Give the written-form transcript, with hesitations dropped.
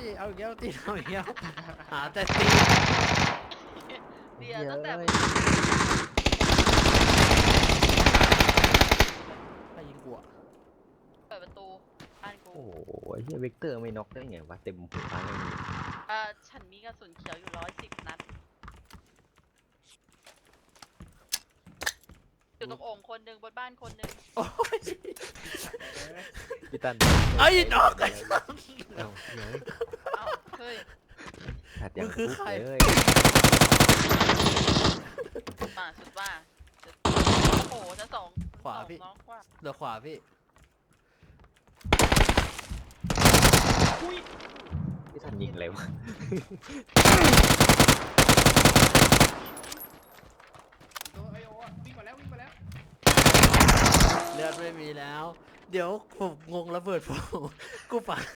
เอาอีกแล้วตีเอาอีกแล้วหาแต่ตีเดี๋ยวตั้งแต่ใครยิงกูอะเปิดประตูบ้านกูโอ้โหไอ้เฮียเวกเตอร์ไม่น็อกได้ไงวะเต็มหัวเลยฉันมีกระสุนเขียวอยู่110 นัดอยู่ตรงโอ่งคนหนึ่งบนบ้านคนหนึ่งโอ้ยพี่ตันไอ้นอกไอ้สัสเอ้าเฮ้ยเอ้าเฮ้ยขาดอย่างมึงคือฟุกใครเลยมาสุดว่าโอ้โหจะสองขวาพี่สองน้องขวาเดี๋ยวขวาพี่พี่ตันยิงอะไรวะตัวไอโออะวิ่งมาแล้ววิ่งมาแล้วเลือดไม่มีแล้ว เดี๋ยวผมงงระเบิดผมกูปา